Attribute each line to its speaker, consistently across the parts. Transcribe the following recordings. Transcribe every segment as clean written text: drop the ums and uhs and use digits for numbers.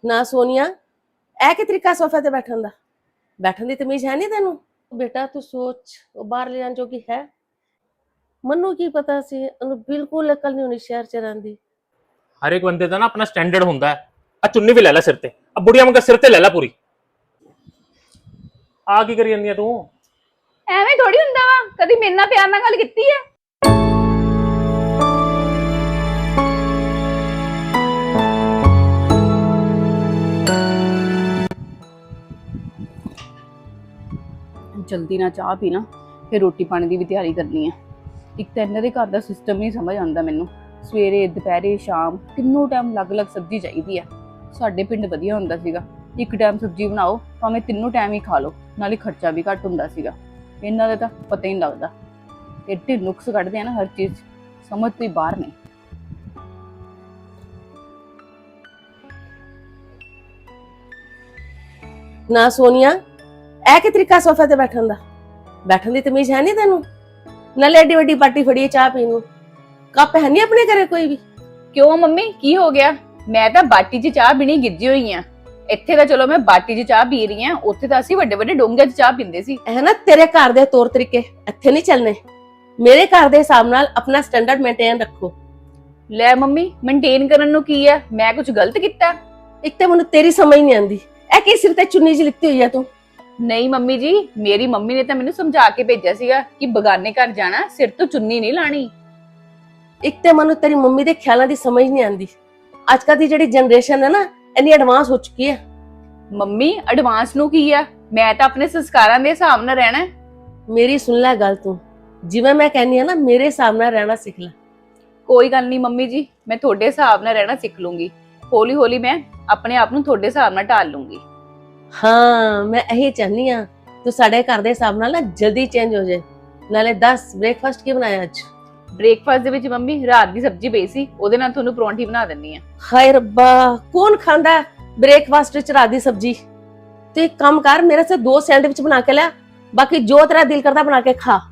Speaker 1: ਨਾ ਸੋਨੀਆ, ਇਹ ਕੀ ਤਰੀਕਾ ਸੋਫੇ ਤੇ ਬੈਠਣ ਦੀ ਤਮੀਜ਼ ਹੈ ਨਹੀਂ ਤੈਨੂੰ। ਬੇਟਾ ਤੂੰ ਸੋਚ, ਉਹ ਬਾਹਰ ਲੈ ਜਾਣ ਜੋਗੀ ਹੈ? ਮੈਨੂੰ ਕੀ ਪਤਾ ਸੀ, ਉਹਨੂੰ ਬਿਲਕੁਲ ਅਕਲ ਨਹੀਂ ਹੋਣੀ ਸ਼ਹਿਰ ਚ ਰਹਿੰਦੀ।
Speaker 2: ਹਰ ਇੱਕ ਬੰਦੇ ਦਾ ਨਾ ਆਪਣਾ ਸਟੈਂਡਰਡ ਹੁੰਦਾ ਹੈ। ਆ ਚੁੰਨੀ ਵੀ ਲੈ ਲੈ ਸਿਰ ਤੇ, ਆ ਬੁੜੀਆਂ ਵਾਂਗ ਸਿਰ ਤੇ ਲੈ ਲੈ ਪੂਰੀ। ਆ ਕੀ ਕਰੀ ਜਾਂਦੀ ਆ ਤੂੰ?
Speaker 3: ਐਵੇਂ ਥੋੜੀ ਹੁੰਦਾ ਵਾ, ਕਦੀ ਮੇਰੇ ਨਾਲ ਪਿਆਰ ਨਾਲ ਗੱਲ ਕੀਤੀ ਹੈ? ਜਲਦੀ ਨਾਲ ਚਾਹ ਪੀਣਾ, ਫਿਰ ਰੋਟੀ ਪਾਣੀ ਦੀ ਵੀ ਤਿਆਰੀ ਕਰਨੀ ਹੈ। ਇੱਕ ਤਾਂ ਇਹਨਾਂ ਦੇ ਘਰ ਦਾ ਸਿਸਟਮ ਨਹੀਂ ਸਮਝ ਆਉਂਦਾ ਮੈਨੂੰ। ਸਵੇਰੇ ਦੁਪਹਿਰੇ ਸ਼ਾਮ ਤਿੰਨੋਂ ਟਾਈਮ ਅਲੱਗ-ਅਲੱਗ ਸਬਜ਼ੀ ਚਾਹੀਦੀ ਆ। ਸਾਡੇ ਪਿੰਡ ਵਧੀਆ ਹੁੰਦਾ ਸੀਗਾ, ਇੱਕ ਟਾਈਮ ਸਬਜ਼ੀ ਬਣਾਓ ਭਾਵੇਂ ਤਿੰਨੋਂ ਟਾਈਮ ਹੀ ਖਾ ਲਓ, ਨਾਲੇ ਖਰਚਾ ਵੀ ਘੱਟ ਹੁੰਦਾ ਸੀਗਾ। ਇਹਨਾਂ ਦਾ ਤਾਂ ਪਤਾ ਹੀ ਨਹੀਂ ਲੱਗਦਾ, ਐਡੇ ਨੁਕਸ ਕੱਢਦੇ ਆ ਨਾ ਹਰ ਚੀਜ਼, ਸਮਝ ਤੋਂ ਹੀ ਬਾਹਰ ਨੇ।
Speaker 1: ਨਾ ਸੋਨੀਆ, ਇਹ ਕੀ ਤਰੀਕਾ ਸੋਫੇ ਤੇ ਬੈਠਣ ਦੀ ਤਮੀਜ਼ ਹੈ ਨਹੀਂ ਤੈਨੂੰ। ਨਾਲੇ ਐਡੀ ਵੱਡੀ ਪਾਰਟੀ ਫੜੀ ਹੈ ਚਾਹ ਪੀਣ ਨੂੰ, ਕੱਪ ਹੈ ਨਹੀਂ ਆਪਣੇ ਘਰੇ ਕੋਈ ਵੀ?
Speaker 3: ਕਿਉਂ ਮੰਮੀ, ਕੀ ਹੋ ਗਿਆ? ਮੈਂ ਤਾਂ ਬਾਟੀ 'ਚ ਚਾਹ ਪੀਣੀ ਗਿੱਜੀ ਹੋਈ ਆ। ਇੱਥੇ ਤਾਂ ਚਲੋ ਮੈਂ ਬਾਟੀ 'ਚ ਚਾਹ ਪੀ ਰਹੀ ਆ, ਉੱਥੇ ਤਾਂ ਅਸੀਂ ਵੱਡੇ ਵੱਡੇ ਡੋਂਗਿਆਂ 'ਚ ਚਾਹ ਪੀਂਦੇ ਸੀ।
Speaker 1: ਇਹ ਨਾ ਤੇਰੇ ਘਰ ਦੇ ਤੌਰ ਤਰੀਕੇ ਇੱਥੇ ਨਹੀਂ ਚੱਲਣੇ। ਮੇਰੇ ਘਰ ਦੇ ਹਿਸਾਬ ਨਾਲ ਆਪਣਾ ਸਟੈਂਡਰਡ ਮੇਨਟੇਨ ਰੱਖੋ।
Speaker 3: ਲੈ ਮੰਮੀ, ਮੇਨਟੇਨ ਕਰਨ ਨੂੰ ਕੀ ਆ? ਮੈਂ ਕੁਝ ਗਲਤ ਕੀਤਾ?
Speaker 1: ਇੱਕ ਤੇ ਮੈਨੂੰ ਤੇਰੀ ਸਮਝ ਨਹੀਂ ਆਉਂਦੀ, ਇਹ ਕੀ ਸਿਰ ਤੇ ਚੁੰਨੀ ਜਿਹੀ ਲਿੱਤੀ ਹੋਈ ਆ ਤੂੰ?
Speaker 3: ਨਹੀਂ ਮੰਮੀ ਜੀ, ਮੇਰੀ ਮੰਮੀ ਨੇ ਤਾਂ ਮੈਨੂੰ ਸਮਝਾ ਕੇ ਭੇਜਿਆ ਸੀਗਾ ਕਿ ਬਗਾਨੇ ਘਰ ਜਾਣਾ ਸਿਰ ਤੋਂ ਚੁੰਨੀ ਨਹੀਂ ਲਾਣੀ।
Speaker 1: ਇੱਕ ਤੇ ਮੈਨੂੰ ਤੇਰੀ ਮੰਮੀ ਦੇ ਖਿਆਲਾਂ ਦੀ ਸਮਝ ਨਹੀਂ ਆਉਂਦੀ। ਅੱਜ ਕੱਲ੍ਹ ਦੀ ਜਿਹੜੀ ਜਨਰੇਸ਼ਨ ਹੈ ਨਾ, ਇੰਨੀ ਐਡਵਾਂਸ ਹੋ ਚੁੱਕੀ ਹੈ।
Speaker 3: ਮੰਮੀ ਐਡਵਾਂਸ ਨੂੰ ਕੀ ਆ? ਮੈਂ ਤਾਂ ਆਪਣੇ ਸੰਸਕਾਰਾਂ ਦੇ ਹਿਸਾਬ ਨਾਲ ਰਹਿਣਾ।
Speaker 1: ਮੇਰੀ ਸੁਣ ਲੈ ਗੱਲ ਤੂੰ, ਜਿਵੇਂ ਮੈਂ ਕਹਿੰਦੀ ਆ ਨਾ, ਮੇਰੇ ਹਿਸਾਬ ਨਾਲ ਰਹਿਣਾ ਸਿੱਖ ਲੈ।
Speaker 3: ਕੋਈ ਗੱਲ ਨਹੀਂ ਮੰਮੀ ਜੀ, ਮੈਂ ਤੁਹਾਡੇ ਹਿਸਾਬ ਨਾਲ ਰਹਿਣਾ ਸਿੱਖ ਲੂੰਗੀ। ਹੌਲੀ ਹੌਲੀ ਮੈਂ ਆਪਣੇ ਆਪ ਨੂੰ ਤੁਹਾਡੇ ਹਿਸਾਬ ਨਾਲ ਢਾਲ ਲੂੰਗੀ।
Speaker 1: ਹਾਂ, ਮੈਂ ਇਹੀ ਚਾਹਨੀ ਆ ਤੂੰ ਸਾਡੇ ਘਰ ਦੇ ਹਿਸਾਬ ਨਾਲ ਨਾ ਜਲਦੀ ਚੇਂਜ ਹੋ ਜਾਏ। ਨਾਲੇ ਦੱਸ, ਬ੍ਰੇਕਫਾਸਟ ਕੀ ਬਣਾਇਆ ਅੱਜ?
Speaker 3: ਬ੍ਰੇਕਫਾਸਟ ਦੇ ਵਿੱਚ ਮੰਮੀ ਰਾਤ ਦੀ ਸਬਜ਼ੀ ਪਈ ਸੀ, ਉਹਦੇ ਨਾਲ ਤੁਹਾਨੂੰ ਪਰੌਂਠੀ ਬਣਾ ਦਿੰਨੀ ਆ।
Speaker 1: ਹਾਏ ਰੱਬਾ, ਕੌਣ ਖਾਂਦਾ ਬ੍ਰੇਕਫਾਸਟ ਵਿੱਚ ਰਾਤ ਦੀ ਸਬਜ਼ੀ? ਤੇ ਇੱਕ ਕੰਮ ਕਰ, ਮੇਰੇ ਸੇ 2 ਸੈਂਡਵਿਚ ਬਣਾ ਕੇ ਲੈ, ਬਾਕੀ ਜੋ ਤੇਰਾ ਦਿਲ ਕਰਦਾ ਬਣਾ ਕੇ ਖਾ।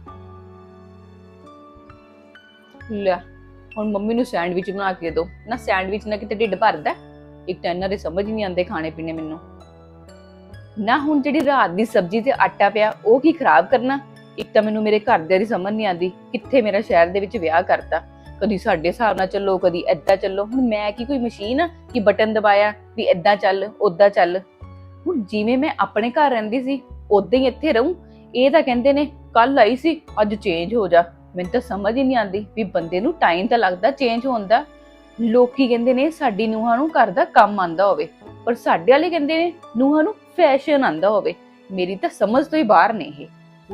Speaker 3: ਲੈ ਹੁਣ ਮੰਮੀ ਨੂੰ ਸੈਂਡਵਿਚ ਬਣਾ ਕੇ ਦਿਓ ਨਾ, ਸੈਂਡਵਿਚ ਨਾਲ ਕਿਤੇ ਢਿੱਡ ਭਰਦਾ? ਇੱਕ ਤਾਂ ਇਹਨਾਂ ਦੇ ਸਮਝ ਨਹੀਂ ਆਉਂਦੇ ਖਾਣੇ ਪੀਣੇ ਮੈਨੂੰ ਨਾ। ਹੁਣ ਜਿਹੜੀ ਰਾਤ ਦੀ ਸਬਜ਼ੀ ਤੇ ਆਟਾ ਪਿਆ, ਉਹ ਕੀ ਖਰਾਬ ਕਰਨਾ? ਇੱਕ ਤਾਂ ਮੈਨੂੰ ਮੇਰੇ ਘਰਦਿਆਂ ਦੀ ਸਮਝ ਨਹੀਂ ਆਉਂਦੀ, ਕਿੱਥੇ ਮੇਰਾ ਸ਼ਹਿਰ ਦੇ ਵਿੱਚ ਵਿਆਹ ਕਰਤਾ। ਕਦੀ ਸਾਡੇ ਹਿਸਾਬ ਨਾਲ ਚੱਲੋ, ਕਦੀ ਏਦਾਂ ਚੱਲੋ। ਹੁਣ ਮੈਂ ਕੀ ਕੋਈ ਮਸ਼ੀਨ ਆ ਕਿ ਬਟਨ ਦਬਾਇਆ ਵੀ ਏਦਾਂ ਚੱਲ ਓਦਾਂ ਚੱਲ? ਹੁਣ ਜਿਵੇਂ ਮੈਂ ਆਪਣੇ ਘਰ ਰਹਿੰਦੀ ਸੀ ਉਦਾਂ ਹੀ ਇੱਥੇ ਰਹੂੰ? ਇਹ ਤਾਂ ਕਹਿੰਦੇ ਨੇ ਕੱਲ ਆਈ ਸੀ ਅੱਜ ਚੇਂਜ ਹੋ ਜਾ। ਮੈਨੂੰ ਤਾਂ ਸਮਝ ਹੀ ਨਹੀਂ ਆਉਂਦੀ ਵੀ ਬੰਦੇ ਨੂੰ ਟਾਈਮ ਤਾਂ ਲੱਗਦਾ ਚੇਂਜ ਹੋਣ ਦਾ। ਲੋਕੀ ਕਹਿੰਦੇ ਨੇ ਸਾਡੀ ਨੂੰਹਾਂ ਨੂੰ ਘਰ ਦਾ ਕੰਮ ਆਂਦਾ ਹੋਵੇ, ਪਰ ਸਾਡੇ ਵਾਲੇ ਕਹਿੰਦੇ ਨੇ ਨੂੰਹਾਂ ਨੂੰ ਫੈਸ਼ਨ ਆਂਦਾ ਹੋਵੇ। ਮੇਰੀ ਤਾਂ ਸਮਝ ਤੋਂ ਹੀ ਬਾਹਰ ਨੇ ਇਹ।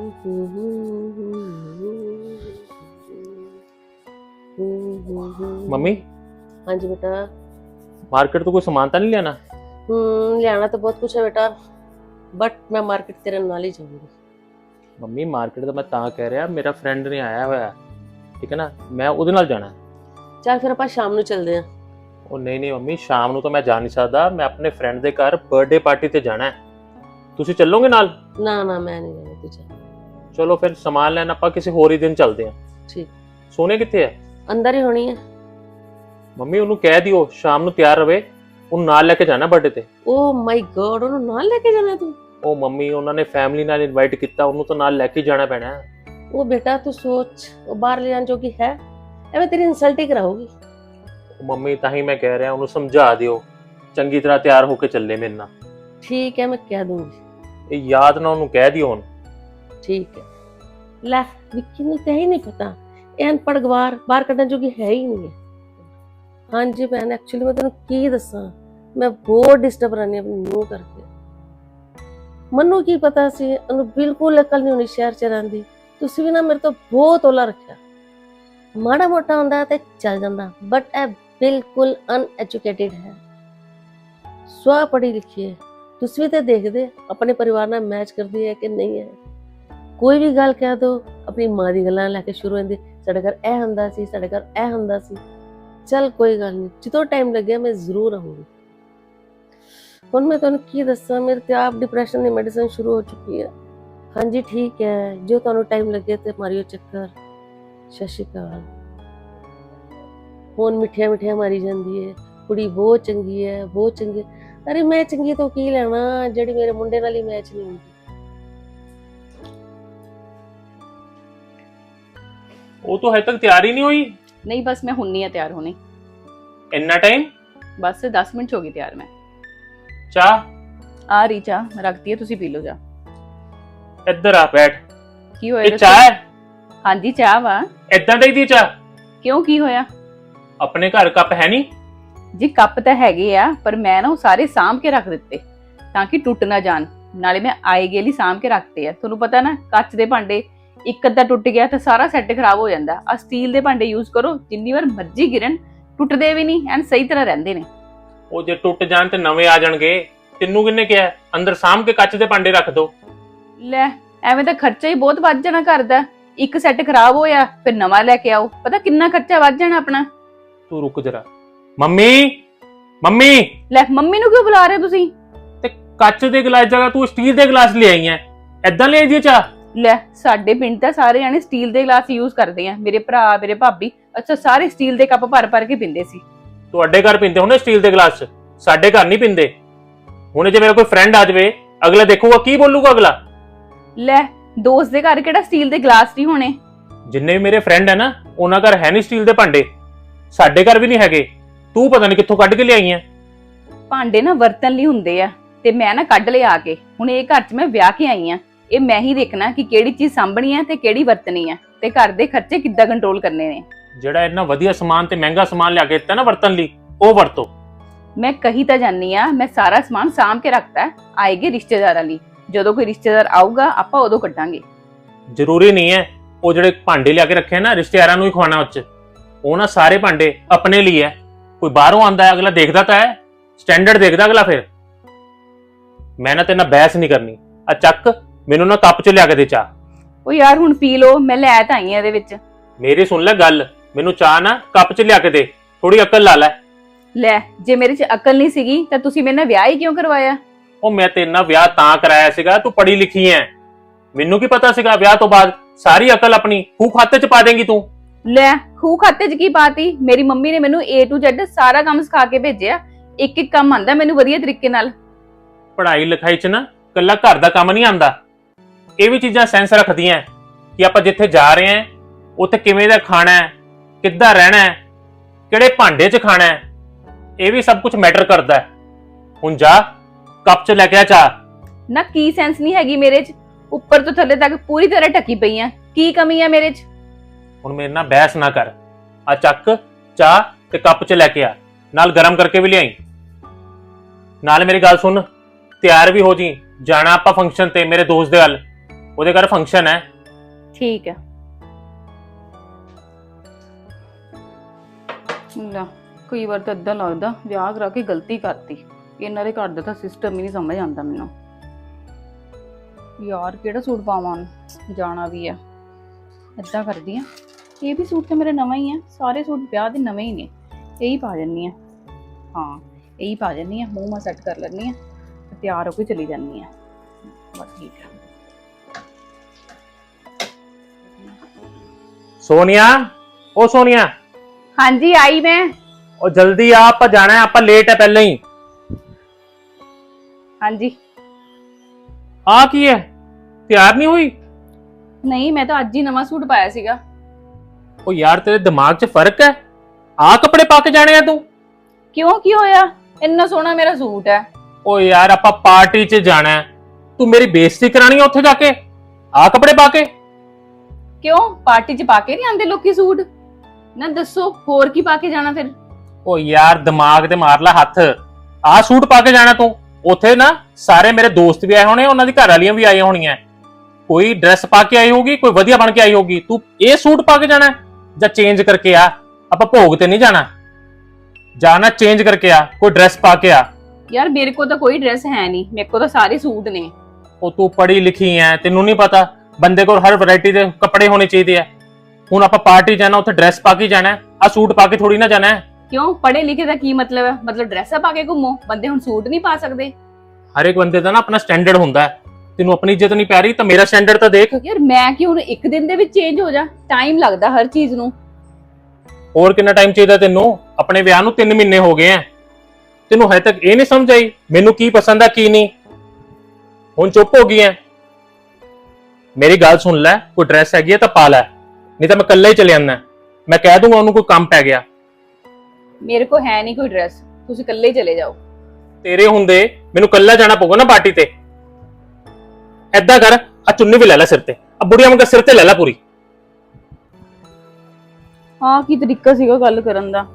Speaker 2: ਮੰਮੀ,
Speaker 1: ਹਾਂਜੀ ਬੇਟਾ।
Speaker 2: ਮਾਰਕੀਟ ਤੋਂ ਕੋਈ ਸਮਾਨ ਤਾਂ ਨਹੀਂ ਲੈਣਾ?
Speaker 1: ਲਿਆਣਾ ਤਾਂ ਬਹੁਤ ਕੁਛ ਹੈ ਬੇਟਾ, ਬਟ ਮੈਂ ਮਾਰਕੀਟ ਤੇਰੇ ਨਾਲ ਹੀ ਜਾਊਂਗੀ।
Speaker 2: ਮੰਮੀ ਮਾਰਕੀਟ ਦਾ ਮੈਂ ਤਾਂ ਕਹਿ ਰਿਹਾ, ਮੇਰਾ ਫਰੈਂਡ ਨੇ ਆਇਆ ਹੋਇਆ, ਠੀਕ ਹੈ ਨਾ, ਮੈਂ ਉਹਦੇ ਨਾਲ ਜਾਣਾ।
Speaker 1: ਚੱਲ ਫਿਰ ਆਪਾਂ ਸ਼ਾਮ ਨੂੰ ਚੱਲਦੇ ਆਂ।
Speaker 2: ਉਹ ਨਹੀਂ ਮੰਮੀ, ਸ਼ਾਮ ਨੂੰ ਤਾਂ ਮੈਂ ਜਾ ਨਹੀਂ ਸਕਦਾ, ਮੈਂ ਆਪਣੇ ਫਰੈਂਡ ਦੇ ਘਰ ਬਰਥਡੇ ਪਾਰਟੀ ਤੇ ਜਾਣਾ ਹੈ। ਤੁਸੀਂ ਚੱਲੋਗੇ ਨਾਲ?
Speaker 1: ਨਾ ਨਾ, ਮੈਂ ਨਹੀਂ ਜਾਣਾ, ਤੂੰ ਚੱਲ।
Speaker 2: ਚਲੋ ਫਿਰ ਸਮਾਨ ਲੈਣ ਆਪਾਂ ਕਿਸੇ ਹੋਰ ਹੀ ਦਿਨ ਚੱਲਦੇ ਆਂ।
Speaker 1: ਠੀਕ।
Speaker 2: ਸੋਨੀਆ ਕਿੱਥੇ ਹੈ?
Speaker 1: ਅੰਦਰ ਹੀ ਹੋਣੀ ਹੈ।
Speaker 2: ਮੰਮੀ ਉਹਨੂੰ ਕਹਿ ਦਿਓ ਸ਼ਾਮ ਨੂੰ ਤਿਆਰ ਰਵੇ, ਉਹਨੂੰ ਨਾਲ ਲੈ ਕੇ ਜਾਣਾ ਬਰਥਡੇ ਤੇ।
Speaker 1: ਓ ਮਾਈ ਗॉड, ਉਹਨੂੰ ਨਾਲ ਲੈ ਕੇ ਜਾਣਾ ਤੂੰ?
Speaker 2: ਉਹ ਮੰਮੀ ਉਹਨਾਂ ਨੇ ਫੈਮਿਲੀ ਨਾਲ ਇਨਵਾਈਟ ਕੀਤਾ, ਉਹਨੂੰ ਤਾਂ ਨਾਲ ਲੈ ਕੇ ਜਾਣਾ ਪੈਣਾ ਹੈ।
Speaker 1: ਉਹ ਬੇਟਾ ਤੂੰ ਸੋਚ, ਉਹ ਬਾਹਰ ਲੈ ਜਾਣ ਜੋਗੀ ਹੈ? ਐਵੇਂ ਤੇਰੀ ਇਨਸਲਟ ਹੀ ਕਰਾਉਗੀ।
Speaker 2: ਮੰਮੀ ਤਾਂ ਹੀ ਮੈਂ ਕਹਿ ਰਿਹਾ, ਉਹਨੂੰ ਸਮਝਾ ਦਿਓ ਚੰਗੀ ਤਰ੍ਹਾਂ ਤਿਆਰ ਹੋ ਕੇ ਚੱਲੇ ਮੇਰੇ ਨਾਲ।
Speaker 1: ਠੀਕ ਹੈ, ਮੈਂ ਕਹਿ ਦੂੰਗੀ।
Speaker 2: ਇਹ ਯਾਦ ਨਾ ਉਹਨੂੰ ਕਹਿ ਦਿਓ ਹੁਣ।
Speaker 1: ਠੀਕ ਹੈ। ਲੈ ਵਿੱਕੀ ਨੂੰ ਤਾਂ ਹੀ ਨਹੀਂ ਪਤਾ, ਇਹ ਅਨਪੜ੍ਹ ਗਵਾਰ ਬਾਹਰ ਕੱਢਣ ਜੋਗੀ ਹੈ ਹੀ ਨਹੀਂ ਹੈ। ਹਾਂਜੀ ਭੈਣ, ਐਕਚੁਅਲੀ ਮੈਂ ਤੈਨੂੰ ਕੀ ਦੱਸਾਂ, ਮੈਂ ਬਹੁਤ ਡਿਸਟਰਬ ਰਹਿੰਦੀ ਆਪਣੀ ਨੂੰਹ ਕਰਕੇ। ਮੈਨੂੰ ਕੀ ਪਤਾ ਸੀ, ਉਹਨੂੰ ਬਿਲਕੁਲ ਅਕਲ ਨਹੀਂ ਹੋਣੀ ਸ਼ਹਿਰ 'ਚ ਰਹਿੰਦੀ। ਤੁਸੀਂ ਵੀ ਨਾ ਮੇਰੇ ਤੋਂ ਬਹੁਤ ਔਲਾ ਰੱਖਿਆ। ਮਾੜਾ ਮੋਟਾ ਹੁੰਦਾ ਤੇ ਚੱਲ ਜਾਂਦਾ, ਬਟ ਇਹ ਬਿਲਕੁਲ ਅਨਐਜੂਕੇਟਿਡ ਹੈ, ਸਵਾ ਪੜ੍ਹੀ ਲਿਖੀ ਹੈ। ਤੁਸੀਂ ਵੀ ਤਾਂ ਦੇਖਦੇ ਆਪਣੇ ਪਰਿਵਾਰ ਨਾਲ ਮੈਚ ਕਰਦੀ ਹੈ ਕਿ ਨਹੀਂ ਹੈ। ਕੋਈ ਵੀ ਗੱਲ ਕਹਿ ਦੋ, ਆਪਣੀ ਮਾਂ ਦੀ ਗੱਲਾਂ ਲੈ ਕੇ ਸ਼ੁਰੂ ਹੁੰਦੀ, ਸਾਡੇ ਘਰ ਇਹ ਹੁੰਦਾ ਸੀ, ਸਾਡੇ ਘਰ ਇਹ ਹੁੰਦਾ ਸੀ। ਚੱਲ ਕੋਈ ਗੱਲ ਨਹੀਂ, ਜਦੋਂ ਟਾਈਮ ਲੱਗਿਆ ਮੈਂ ਜ਼ਰੂਰ ਆਉਂਗੀ। ਹੁਣ ਮੈਂ ਤੁਹਾਨੂੰ ਕੀ ਦੱਸਾਂ, ਮੇਰੇ ਤੇ ਆਪ ਡਿਪਰੈਸ਼ਨ ਦੀ ਮੈਡੀਸਿਨ ਸ਼ੁਰੂ ਹੋ ਚੁੱਕੀ ਹੈ। ਹਾਂਜੀ ਠੀਕ ਹੈ, ਜੋ ਤੁਹਾਨੂੰ ਟਾਈਮ ਲੱਗੇ ਤੇ ਮਾਰਿਓ ਚੱਕਰ। ਸਤਿ ਸ਼੍ਰੀ ਅਕਾਲ। ਹੁਣ ਮਿੱਠੀਆਂ ਮਿੱਠੀਆਂ ਮਾਰੀ ਜਾਂਦੀ ਹੈ, ਕੁੜੀ ਬਹੁਤ ਚੰਗੀ ਹੈ, ਬਹੁਤ ਚੰਗੀ ਹੈ। ਅਰੇ ਮੈਂ ਚੰਗੀ ਤੋਂ ਕੀ ਲੈਣਾ ਜਿਹੜੀ ਮੇਰੇ ਮੁੰਡੇ ਨਾਲ ਹੀ ਮੈਚ ਨਹੀਂ ਹੁੰਦੀ।
Speaker 2: ਉਹ ਤਾਂ ਹਜੇ ਤੱਕ ਤਿਆਰ ਹੀ ਨਹੀਂ ਹੋਈ।
Speaker 3: ਨਹੀਂ ਬਸ ਮੈਂ ਹੁੰਨੀ ਆ ਤਿਆਰ ਹੋਣੀ,
Speaker 2: ਇੰਨਾ ਟਾਈਮ?
Speaker 3: ਬਸ 10 ਮਿੰਟ 'ਚ ਹੋ ਗਈ ਤਿਆਰ ਮੈਂ।
Speaker 2: ਚਾਹ
Speaker 3: ਆ ਰਹੀ ਚਾਹ ਰੱਖਦੀ ਹੈ, ਤੁਸੀਂ ਪੀ ਲਓ ਜਾ।
Speaker 2: ਇੱਧਰ ਆ ਬੈਠ।
Speaker 3: ਕੀ ਹੋਇਆ?
Speaker 2: ਇਹ ਚਾਹ ਹੈ?
Speaker 3: ਹਾਂਜੀ ਚਾਹ ਵਾ।
Speaker 2: ਏਦਾਂ ਦੀ ਦੀ ਚਾਹ?
Speaker 3: ਕਿਉਂ ਕੀ ਹੋਇਆ?
Speaker 2: ਆਪਣੇ ਘਰ ਕੱਪ ਹੈ ਨਹੀਂ?
Speaker 3: ਜੀ ਕੱਪ ਤਾਂ ਹੈਗੇ ਆ, ਪਰ ਮੈਂ ਨਾ ਉਹ ਸਾਰੇ ਸਾਂਭ ਕੇ ਰੱਖ ਦਿੱਤੇ ਤਾਂ ਕਿ ਟੁੱਟ ਨਾ ਜਾਣ। ਨਾਲੇ ਮੈਂ ਆਏ ਗਏ ਲਈ ਸਾਂਭ ਕੇ ਰੱਖਤੇ ਆ। ਤੁਹਾਨੂੰ ਪਤਾ ਨਾ ਕੱਚ ਦੇ ਭਾਂਡੇ ਇੱਕ ਅੱਧਾ ਟੁੱਟ ਗਿਆ ਤਾਂ ਸਾਰਾ ਸੈੱਟ ਖਰਾਬ ਹੋ ਜਾਂਦਾ। ਆ ਸਟੀਲ ਦੇ ਭਾਂਡੇ ਯੂਜ਼ ਕਰੋ, ਜਿੰਨੀ ਵਾਰ ਮਰਜ਼ੀ ਗਿਰਨ ਟੁੱਟਦੇ ਵੀ ਨਹੀਂ ਐਂਡ ਸਹੀ ਤਰ੍ਹਾਂ ਰਹਿੰਦੇ ਨੇ।
Speaker 2: ਉਹ ਜੇ ਟੁੱਟ ਜਾਣ ਤੇ ਨਵੇਂ ਆ ਜਾਣਗੇ। ਤੈਨੂੰ ਕਿੰਨੇ ਕਿਹਾ ਅੰਦਰ ਸਾਂਭ ਕੇ ਕੱਚ ਦੇ ਭਾਂਡੇ ਰੱਖ ਦੋ?
Speaker 3: ਲੈ ਐਵੇਂ ਤਾਂ ਖਰਚਾ ਹੀ ਬਹੁਤ ਵੱਧ ਜਾਣਾ ਘਰ ਦਾ। ਇੱਕ ਸੈੱਟ ਖਰਾਬ ਹੋਇਆ ਫਿਰ ਨਵਾਂ ਲੈ ਕੇ ਆਓ, ਪਤਾ ਕਿੰਨਾ ਖਰਚਾ ਵੱਧ ਜਾਣਾ ਆਪਣਾ।
Speaker 2: ਤੂੰ ਰੁਕ ਜਰਾ। Mummy, mummy.
Speaker 3: ਲੈ ਮੰਮੀ ਨੂੰ ਕਿਉਂ ਬੁਲਾ ਰਹੇ ਹੋ ਤੁਸੀਂ?
Speaker 2: ਤੇ ਕੱਚ ਦੇ ਗਲਾਸ ਜਗ੍ਹਾ ਤੂੰ ਸਟੀਲ ਦੇ ਗਲਾਸ ਲੈ ਆਈ ਐ। ਏਦਾਂ ਲੈ ਆਈ ਚਾਹ?
Speaker 3: ਲੈ ਸਾਡੇ ਪਿੰਡ ਤਾਂ ਸਾਰੇ ਜਾਣੇ ਸਟੀਲ ਦੇ ਗਲਾਸ ਯੂਜ਼ ਕਰਦੇ ਆ। ਮੇਰੇ ਭਰਾ, ਮੇਰੇ ਭਾਬੀ, ਅੱਛਾ ਸਾਰੇ ਸਟੀਲ ਦੇ ਕੱਪ ਭਰ ਭਰ ਕੇ ਪੀਂਦੇ ਸੀ।
Speaker 2: ਤੁਹਾਡੇ ਘਰ ਪੀਂਦੇ ਹੋਣੇ ਸਟੀਲ ਦੇ ਗਲਾਸ 'ਚ, ਸਾਡੇ ਘਰ ਨਹੀਂ ਪੀਂਦੇ। ਹੁਣ ਜੇ ਮੇਰਾ ਕੋਈ ਫਰੈਂਡ ਆ ਜਾਵੇ, ਅਗਲਾ ਦੇਖੂਗਾ ਕੀ ਬੋਲੂਗਾ ਅਗਲਾ?
Speaker 3: ਲੈ ਦੋਸਤ ਦੇ ਘਰ ਕਿਹੜਾ ਸਟੀਲ ਦੇ ਗਲਾਸ ਨਹੀਂ ਹੋਣੇ?
Speaker 2: ਜਿੰਨੇ ਵੀ ਮੇਰੇ ਫਰੈਂਡ ਹੈ ਨਾ, ਉਹਨਾਂ ਘਰ ਹੈ ਨਹੀਂ ਸਟੀਲ ਦੇ ਭਾਂਡੇ। ਸਾਡੇ ਘਰ ਵੀ ਨਹੀਂ ਹੈਗੇ। ਤੂੰ ਪਤਾ ਨਹੀਂ ਕਿੱਥੋਂ ਕੱਢ ਕੇ ਲਿਆਈ ਐ।
Speaker 3: ਭਾਂਡੇ ਨਾ ਵਰਤਨ ਲਈ ਹੁੰਦੇ ਆ ਤੇ ਮੈਂ ਨਾ ਕੱਢ ਲਿਆ ਆ ਕੇ। ਹੁਣ ਇਹ ਘਰ 'ਚ ਮੈਂ ਵਿਆਹ ਕੇ ਆਈ ਆ, ਇਹ ਮੈਂ ਹੀ ਦੇਖਣਾ ਕਿ ਕਿਹੜੀ ਚੀਜ਼ ਸਾਂਭਣੀ ਹੈ ਤੇ ਕਿਹੜੀ ਵਰਤਣੀ ਹੈ ਤੇ ਘਰ ਦੇ ਖਰਚੇ ਕਿੱਦਾਂ ਕੰਟਰੋਲ ਕਰਨੇ ਨੇ।
Speaker 2: ਜਿਹੜਾ ਇੰਨਾ ਵਧੀਆ ਸਮਾਨ ਤੇ ਮਹਿੰਗਾ ਸਮਾਨ ਲਿਆ ਕੇ ਦਿੱਤਾ ਨਾ ਵਰਤਨ ਲਈ, ਉਹ ਵਰਤੋ।
Speaker 3: ਮੈਂ ਕਹੀ ਤਾਂ ਜਾਨੀ ਆ, ਮੈਂ ਸਾਰਾ ਸਮਾਨ ਸਾਂਭ ਕੇ ਰੱਖਤਾ ਆਏਗੇ ਰਿਸ਼ਤੇਦਾਰਾਂ ਲਈ। ਜਦੋਂ ਕੋਈ ਰਿਸ਼ਤੇਦਾਰ ਆਊਗਾ ਆਪਾਂ ਉਦੋਂ ਕੱਢਾਂਗੇ।
Speaker 2: ਜ਼ਰੂਰੀ ਨਹੀਂ ਹੈ ਉਹ ਜਿਹੜੇ ਭਾਂਡੇ ਲਿਆ ਕੇ ਰੱਖੇ ਨਾ ਰਿਸ਼ਤੇਦਾਰਾਂ ਨੂੰ ਹੀ ਖਵਾਉਣਾ। ਉੱਚ ਉਹ ਨਾ ਸਾਰੇ ਭਾਂਡੇ ਆਪਣੇ ਲਈ ਹੈ। ਕੋਈ ਬਾਹਰੋਂ ਆਂਦਾ ਹੈ ਅਗਲਾ ਦੇਖਦਾ ਤਾਂ ਹੈ, ਸਟੈਂਡਰਡ ਦੇਖਦਾ ਅਗਲਾ। ਫਿਰ ਮੈਂ ਨਾ ਤੇਰੇ ਨਾਲ ਬਹਿਸ ਨਹੀਂ ਕਰਨੀ। ਆ ਚੱਕ, ਮੈਨੂੰ ਨਾ ਕੱਪ 'ਚ ਲਿਆ ਕੇ ਦੇ ਚਾਹ।
Speaker 3: ਉਹ ਯਾਰ ਹੁਣ ਪੀ ਲੋ, ਮੈਂ ਲੈ ਤਾਂ ਆਈ ਆ ਇਹਦੇ ਵਿੱਚ।
Speaker 2: ਮੇਰੀ ਸੁਣ ਲੈ ਗੱਲ, ਮੈਨੂੰ ਚਾਹ ਨਾ ਕੱਪ 'ਚ ਲਿਆ ਕੇ ਦੇ। ਥੋੜੀ ਅਕਲ ਲਾ ਲੈ।
Speaker 3: ਲੈ ਜੇ ਮੇਰੇ 'ਚ ਅਕਲ ਨਹੀਂ ਸੀਗੀ ਤਾਂ ਤੁਸੀਂ ਮੇਰੇ ਨਾਲ ਵਿਆਹ ਹੀ ਕਿਉਂ ਕਰਵਾਇਆ?
Speaker 2: ਉਹ ਮੈਂ ਤੇਰੇ ਨਾਲ ਵਿਆਹ ਤਾਂ ਕਰਾਇਆ ਸੀਗਾ, ਤੂੰ ਪੜ੍ਹੀ ਲਿਖੀ ਐ। ਮੈਨੂੰ ਕੀ ਪਤਾ ਸੀਗਾ ਵਿਆਹ ਤੋਂ ਬਾਅਦ ਸਾਰੀ ਅਕਲ ਆਪਣੀ ਖੂਹ ਖਾਤੇ 'ਚ ਪਾ ਦੇਂਗੀ ਤੂੰ।
Speaker 3: ਲੈ ਖੂਹ ਖਾਤੇ 'ਚ ਕੀ ਪਾਤੀ? ਮੇਰੀ ਮੰਮੀ ਨੇ ਮੈਨੂੰ A to Z ਸਾਰਾ ਕੰਮ ਸਿਖਾ ਕੇ ਭੇਜਿਆ। ਇੱਕ ਇੱਕ ਕੰਮ ਆਂਦਾ ਮੈਨੂੰ ਵਧੀਆ ਤਰੀਕੇ ਨਾਲ।
Speaker 2: ਪੜ੍ਹਾਈ ਲਿਖਾਈ 'ਚ ਨਾ ਕੱਲਾ ਘਰ ਦਾ ਕੰਮ ਨਹੀਂ ਆਂਦਾ, ਇਹ ਵੀ ਚੀਜ਼ਾਂ ਸੈਂਸ ਰੱਖਦੀਆਂ ਕਿ ਆਪਾਂ ਜਿੱਥੇ ਜਾ ਰਹੇ ਹਾਂ ਉੱਥੇ ਕਿਵੇਂ ਦਾ ਖਾਣਾ ਹੈ, ਕਿੱਦਾਂ ਰਹਿਣਾ ਹੈ, ਕਿਹੜੇ ਭਾਂਡੇ 'ਚ ਖਾਣਾ ਹੈ, ਇਹ ਵੀ ਸਭ ਕੁਝ ਮੈਟਰ ਕਰਦਾ ਹੈ। ਹੁਣ ਜਾ ਕੱਪ 'ਚ ਲੈ ਕੇ ਆ ਚਾਹ।
Speaker 3: ਨਾ ਕੀ ਸੈਂਸ ਨਹੀਂ ਹੈਗੀ ਮੇਰੇ 'ਚ? ਉੱਪਰ ਤੋਂ ਥੱਲੇ ਤੱਕ ਪੂਰੀ ਤਰ੍ਹਾਂ ਢੱਕੀ ਪਈ ਆ, ਕੀ ਕਮੀ ਆ ਮੇਰੇ 'ਚ?
Speaker 2: ਹੁਣ ਮੇਰੇ ਨਾਲ ਬਹਿਸ ਨਾ ਕਰ। ਆ ਚੱਕ ਚਾਹ ਤੇ ਕੱਪ 'ਚ ਲੈ ਕੇ ਆ, ਨਾਲ ਗਰਮ ਕਰਕੇ ਵੀ ਲਿਆਈ। ਨਾਲ ਮੇਰੀ ਗੱਲ ਸੁਣ, ਤਿਆਰ ਵੀ ਹੋ ਜੀ, ਜਾਣਾ ਆਪਾਂ ਫੰਕਸ਼ਨ ਤੇ ਮੇਰੇ ਦੋਸਤ ਦੇ ਵੱਲ। ਉਹਦੇ ਘਰ ਫੰਕਸ਼ਨ ਹੈ।
Speaker 3: ਠੀਕ ਹੈ। ਲੈ ਕਈ ਵਾਰ ਤਾਂ ਏਦਾਂ ਲੱਗਦਾ ਵਿਆਹ ਕਰਾ ਕੇ ਗਲਤੀ ਕਰਤੀ। ਇਹਨਾਂ ਦੇ ਘਰ ਦਾ ਤਾਂ ਸਿਸਟਮ ਹੀ ਨਹੀਂ ਸਮਝ ਆਉਂਦਾ ਮੈਨੂੰ। ਯਾਰ ਕਿਹੜਾ ਸੂਟ ਪਾਵਾਂ? ਜਾਣਾ ਵੀ ਆ। ਏਦਾਂ ਕਰਦੀ ਆ, ਇਹ ਵੀ ਸੂਟ ਤਾਂ ਮੇਰਾ ਨਵਾਂ ਹੀ ਆ। ਸਾਰੇ ਸੂਟ ਵਿਆਹ ਦੇ ਨਵੇਂ ਹੀ ਨੇ, ਇਹੀ ਪਾ ਜੰਨੀ ਆ। ਹਾਂ ਇਹੀ ਪਾ ਜੰਨੀ ਆ। ਮੂੰਹ ਮਾ ਸੈੱਟ ਕਰ ਲੈਣੀ ਆ, ਤਿਆਰ ਹੋ ਕੇ ਚਲੀ ਜਾਨੀ ਆ। ਬਸ ਠੀਕ ਆ।
Speaker 2: ਸੋਨੀਆ, ਉਹ ਸੋਨੀਆ।
Speaker 3: ਹਾਂਜੀ ਆਈ ਮੈਂ।
Speaker 2: ਉਹ ਜਲਦੀ ਆ, ਆਪਾਂ ਜਾਣਾ ਹੈ, ਆਪਾਂ ਲੇਟ ਹੈ ਪਹਿਲਾਂ ਹੀ।
Speaker 3: ਹਾਂਜੀ।
Speaker 2: ਆ ਕੀ ਹੈ, ਤਿਆਰ ਨਹੀਂ ਹੋਈ?
Speaker 3: ਨਹੀਂ ਮੈਂ ਤਾਂ ਅੱਜ ਹੀ ਨਵਾਂ ਸੂਟ ਪਾਇਆ ਸੀਗਾ।
Speaker 2: ਉਹ ਯਾਰ ਤੇਰੇ ਦਿਮਾਗ 'ਚ ਫਰਕ ਹੈ? ਆ ਕੱਪੜੇ ਪਾ ਕੇ ਜਾਣੇ ਆ ਤੂੰ?
Speaker 3: ਕਿਉਂ ਕੀ ਹੋਇਆ? ਇੰਨਾ ਸੋਹਣਾ ਮੇਰਾ ਸੂਟ ਹੈ।
Speaker 2: ਉਹ ਯਾਰ ਆਪਾਂ ਪਾਰਟੀ 'ਚ ਜਾਣਾ ਹੈ, ਤੂੰ ਮੇਰੀ ਬੇਇੱਜ਼ਤੀ ਕਰਾਣੀ ਹੈ ਉੱਥੇ ਜਾ ਕੇ ਆ ਕੱਪੜੇ ਪਾ ਕੇ?
Speaker 3: ਕਿਉਂ ਪਾਰਟੀ 'ਚ ਪਾ ਕੇ ਨਹੀਂ ਆਂਦੇ ਲੋਕੀ ਸੂਟ? ਨਾ ਦੱਸੋ ਹੋਰ ਕੀ ਪਾ ਕੇ ਜਾਣਾ ਫਿਰ?
Speaker 2: ਉਹ ਯਾਰ ਦਿਮਾਗ ਤੇ ਮਾਰ ਲੈ ਹੱਥ। ਆ ਸੂਟ ਪਾ ਕੇ ਜਾਣਾ ਤੂੰ? ਉੱਥੇ ਨਾ ਸਾਰੇ ਮੇਰੇ ਦੋਸਤ ਵੀ ਆਏ ਹੋਣੇ, ਉਹਨਾਂ ਦੀ ਘਰ ਵਾਲੀਆਂ ਵੀ ਆਈਆਂ ਹੋਣੀਆਂ। ਕੋਈ ਡਰੈਸ ਪਾ ਕੇ ਆਈ ਹੋਗੀ, ਕੋਈ ਵਧੀਆ ਬਣ ਕੇ ਆਈ ਹੋਗੀ। ਤੂੰ ਇਹ ਸੂਟ ਪਾ ਕੇ ਜਾਣਾ ਜਾਂ ਚੇਂਜ ਕਰਕੇ ਆ? ਆਪਾਂ ਭੋਗ ਤੇ ਨਹੀਂ ਜਾਣਾ, ਜਾਣਾ ਚੇਂਜ ਕਰਕੇ ਆ, ਕੋਈ ਡਰੈਸ ਪਾ ਕੇ ਆ।
Speaker 3: ਯਾਰ ਮੇਰੇ ਕੋਲ ਤਾਂ ਕੋਈ ਡਰੈਸ ਹੈ ਨਹੀਂ, ਮੇਰੇ ਕੋਲ ਤਾਂ ਸਾਰੇ ਸੂਟ ਨੇ।
Speaker 2: ਉਹ ਤੂੰ ਪੜ੍ਹੀ ਲਿਖੀ ਐ, ਤੈਨੂੰ ਨਹੀਂ ਪਤਾ ਬੰਦੇ ਕੋਲ ਹਰ ਵੈਰਾਈਟੀ ਦੇ ਕੱਪੜੇ ਹੋਣੇ ਚਾਹੀਦੇ ਆ। ਹੁਣ ਆਪਾਂ ਪਾਰਟੀ ਜਾਣਾ, ਉੱਥੇ ਡਰੈਸ ਪਾ ਕੇ ਜਾਣਾ, ਆ ਸੂਟ ਪਾ ਕੇ ਥੋੜੀ ਨਾ ਜਾਣਾ ਹੈ।
Speaker 3: ਕਿਉਂ ਪੜ੍ਹੇ ਲਿਖੇ ਦਾ ਕੀ ਮਤਲਬ ਹੈ? ਮਤਲਬ ਡਰੈਸਾਂ ਪਾ ਕੇ ਘੁੰਮੋ? ਬੰਦੇ ਹੁਣ ਸੂਟ ਨਹੀਂ ਪਾ ਸਕਦੇ?
Speaker 2: ਹਰ ਇੱਕ ਬੰਦੇ ਦਾ ਨਾ ਆਪਣਾ ਸਟੈਂਡਰਡ ਹੁੰਦਾ ਹੈ। ਤੈਨੂੰ ਆਪਣੀ ਇੱਜ਼ਤ ਨਹੀਂ ਪੈ ਰਹੀ ਤਾਂ ਮੇਰਾ ਸਟੈਂਡਰਡ ਤਾਂ ਦੇਖ।
Speaker 3: ਯਾਰ ਮੈਂ ਕਿ ਹੁਣ ਇੱਕ ਦਿਨ ਦੇ ਵਿੱਚ ਚੇਂਜ ਹੋ ਜਾ? ਟਾਈਮ ਲੱਗਦਾ ਹਰ ਚੀਜ਼ ਨੂੰ।
Speaker 2: ਹੋਰ ਕਿੰਨਾ ਟਾਈਮ ਚਾਹੀਦਾ ਤੈਨੂੰ? ਆਪਣੇ ਵਿਆਹ ਨੂੰ 3 ਮਹੀਨੇ ਹੋ ਗਏ ਆ, ਤੈਨੂੰ ਹਜੇ ਤੱਕ ਇਹ ਨਹੀਂ ਸਮਝ ਆਈ ਮੈਨੂੰ ਕੀ ਪਸੰਦ ਆ ਕੀ ਨਹੀਂ? ਹੁਣ ਚੁੱਪ ਹੋ ਗਈ ਐ? ਮੇਰੀ ਗੱਲ ਸੁਣ ਲੈ, ਕੋਈ ਡਰੈਸ ਹੈਗੀ ਹੈ ਤਾਂ ਪਾ ਲੈ, ਨਹੀਂ ਤਾਂ ਮੈਂ ਇਕੱਲਾ ਹੀ ਚਲੇ ਜਾਂਦਾ। ਮੈਂ ਕਹਿ ਦੂੰਗਾ ਉਹਨੂੰ ਕੋਈ ਕੰਮ ਪੈ ਗਿਆ।
Speaker 3: ਮੇਰੇ ਕੋ ਹੈ ਨਹੀਂ ਕੋਈ ਡਰੈਸ, ਤੁਸੀਂ ਇਕੱਲੇ ਹੀ ਚਲੇ ਜਾਓ।
Speaker 2: ਤੇਰੇ ਹੁੰਦੇ ਮੈਨੂੰ ਇਕੱਲਾ ਜਾਣਾ ਪਊਗਾ ਨਾ ਪਾਰਟੀ ਤੇ। ਐਦਾਂ ਕਰ, ਆ ਚੁੰਨੀ ਵੀ ਲੈ ਲੈ ਸਿਰ ਤੇ, ਆ ਬੁੜੀਆਂ ਵਾਂਗ ਸਿਰ ਤੇ ਲੈ ਲੈ ਪੂਰੀ।
Speaker 3: ਹਾਂ, ਕੀ ਤਰੀਕਾ ਸੀਗਾ ਗੱਲ ਕਰਨ ਦਾ।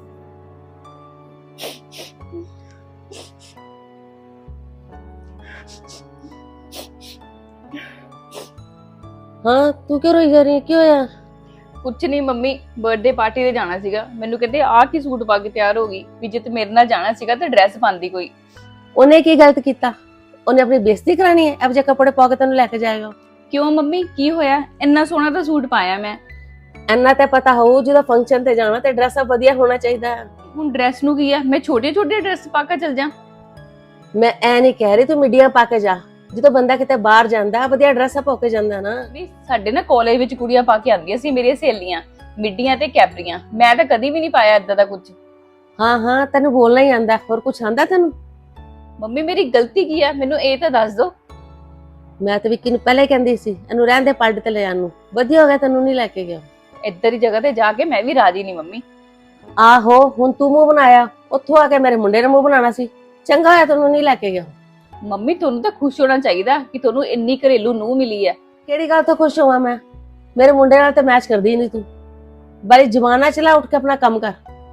Speaker 1: हाँ तू क्यों रोई जा रही है, क्यों होया?
Speaker 3: ਕੁਛ ਨਹੀਂ ਮੰਮੀ, ਬਰਥਡੇ ਪਾਰਟੀ ਤੇ ਜਾਣਾ ਸੀਗਾ। ਮੈਨੂੰ ਕਹਿੰਦੇ ਆਹ ਕੀ ਸੂਟ ਪਾ ਕੇ ਤਿਆਰ ਹੋ ਗਈ, ਵੀ ਜੇ ਤੇ ਮੇਰੇ ਨਾਲ ਜਾਣਾ ਸੀਗਾ ਤੇ ਡਰੈਸ ਪਾਉਂਦੀ ਕੋਈ।
Speaker 1: ਉਹਨੇ ਕੀ ਗਲਤ ਕੀਤਾ? ਉਹਨੇ ਆਪਣੀ ਬੇਇੱਜ਼ਤੀ ਕਰਾਣੀ ਹੈ? ਅਬ ਜੇ ਕੱਪੜੇ ਪਾ ਕੇ ਤੈਨੂੰ ਲੈ ਕੇ ਜਾਏਗਾ।
Speaker 3: ਕਿਉਂ ਮੰਮੀ, ਕੀ ਹੋਇਆ? ਇੰਨਾ ਸੋਹਣਾ ਤਾਂ ਸੂਟ ਪਾਇਆ ਮੈਂ।
Speaker 1: ਇੰਨਾ ਤੇ ਪਤਾ ਹੋਊ ਜਦੋਂ ਫੰਕਸ਼ਨ ਤੇ ਜਾਣਾ ਤੇ ਡਰੈਸ ਵਧੀਆ ਹੋਣਾ ਚਾਹੀਦਾ ਹੈ।
Speaker 3: ਹੁਣ ਡਰੈਸ ਨੂੰ ਕੀ ਆ, ਮੈਂ ਛੋਟੇ ਛੋਟੇ ਡਰੈਸ ਪਾ ਕੇ ਚਲ ਜਾ।
Speaker 1: ਮੈਂ ਐ ਨਹੀਂ ਕਹਿ ਰਹੀ ਤੂੰ ਮੀਡੀਆ ਪਾ ਕੇ ਜਾ। ਜਦੋਂ ਬੰਦਾ ਕਿਤੇ ਬਾਹਰ ਜਾਂਦਾ ਵਧੀਆ ਡਰੈਸ ਪਾ ਕੇ ਜਾਂਦਾ ਨਾ।
Speaker 3: ਵੀ ਸਾਡੇ ਨਾ ਕਾਲਜ ਵਿੱਚ ਕੁੜੀਆਂ ਪਾ ਕੇ ਆਉਂਦੀਆਂ ਸੀ, ਮੇਰੀਆਂ ਸਹੇਲੀਆਂ, ਮਿੱਡੀਆਂ ਤੇ ਕੈਪਰੀਆਂ। ਮੈਂ ਤਾਂ ਕਦੀ ਵੀ ਨਹੀਂ ਪਾਇਆ ਏਦਾਂ ਦਾ ਕੁਝ।
Speaker 1: ਹਾਂ ਹਾਂ ਤੈਨੂੰ ਬੋਲਣਾ ਹੀ ਆਂਦਾ, ਹੋਰ ਕੁਝ ਆਂਦਾ ਤੈਨੂੰ?
Speaker 3: ਮੰਮੀ ਮੇਰੀ ਗਲਤੀ ਕੀ ਆ, ਮੈਨੂੰ ਇਹ ਤਾਂ ਦੱਸ ਦਿਓ।
Speaker 1: ਮੈਂ ਤਾਂ ਵਿੱਕੀ ਨੂੰ ਪਹਿਲਾਂ ਹੀ ਕਹਿੰਦੀ ਸੀ ਇਹਨੂੰ ਰਹਿਣ ਦੇ ਪਾਰਟੀ ਤੇ ਲੈ ਜਾਣ ਨੂੰ। ਵਧੀਆ ਹੋ ਗਿਆ ਤੈਨੂੰ ਨਹੀਂ ਲੈ ਕੇ ਗਿਆ।
Speaker 3: ਇੱਧਰ ਦੀ ਜਗ੍ਹਾ ਤੇ ਜਾ ਕੇ ਮੈਂ ਵੀ ਰਾਜੀ ਨਹੀਂ ਮੰਮੀ।
Speaker 1: ਆਹੋ ਹੁਣ ਤੂੰ ਮੂੰਹ ਬਣਾਇਆ, ਉੱਥੋਂ ਆ ਕੇ ਮੇਰੇ ਮੁੰਡੇ ਨੇ ਮੂੰਹ ਬਣਾਉਣਾ ਸੀ। ਚੰਗਾ ਹੋਇਆ ਤੈਨੂੰ ਨਹੀਂ ਲੈ ਕੇ ਗਿਆ।
Speaker 3: ਮੰਮੀ ਤੁਹਾਨੂੰ ਤਾਂ ਖੁਸ਼ ਹੋਣਾ ਚਾਹੀਦਾ ਕਿ ਤੁਹਾਨੂੰ ਇੰਨੀ ਘਰੇਲੂ ਨੂੰਹ ਮਿਲੀ ਹੈ।
Speaker 1: ਕਿਹੜੀ ਗੱਲ ਤੋਂ ਖੁਸ਼ ਹੋਵਾਂ ਮੈਂ? ਮੇਰੇ ਮੁੰਡੇ ਨਾਲ ਤੇ ਮੈਚ ਕਰਦੀ ਨਹੀਂ ਤੂੰ। ਬਾਰੀ ਜਮਾਨਾ ਚਲਾ, ਉੱਠ ਕੇ ਆਪਣਾ ਕੰਮ ਕਰ।